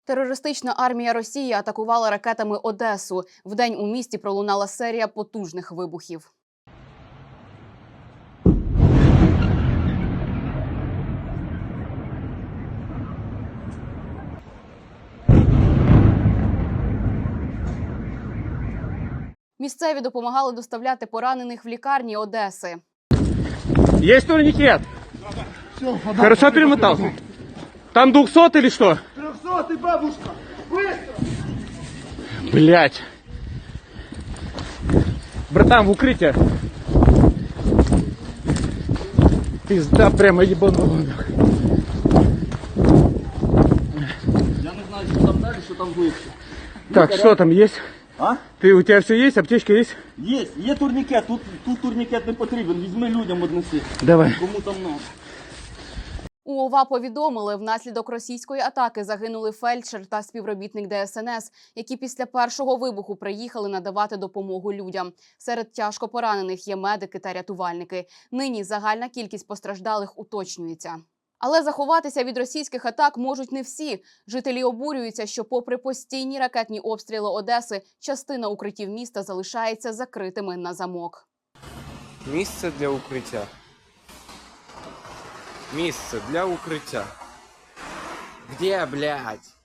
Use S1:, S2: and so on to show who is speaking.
S1: Терористична армія Росії атакувала ракетами Одесу. Вдень у місті пролунала серія потужних вибухів. Місцеві допомагали доставляти поранених в лікарні Одеси.
S2: Есть турникет? Хорошо перемотался? Там 200 или что?
S3: 300, бабушка! Быстро!
S2: Блять. Братан, в укрытие. Пизда прямо ебанула.
S3: Я не знаю, що там далі, що там глибше.
S2: Так, что там есть?
S3: А?
S2: У тебя все есть? Аптечка есть?
S3: Є турнікет, тут турнікет не потрібен, візьми людям однеси.
S2: Давай.
S3: Кому там надо.
S1: У ОВА повідомили, внаслідок російської атаки загинули фельдшер та співробітник ДСНС, які після першого вибуху приїхали надавати допомогу людям. Серед тяжко поранених є медики та рятувальники. Нині загальна кількість постраждалих уточнюється. Але заховатися від російських атак можуть не всі. Жителі обурюються, що попри постійні ракетні обстріли Одеси, частина укриттів міста залишається закритими на замок.
S4: Місце для укриття. Місце для укриття. Где, блядь?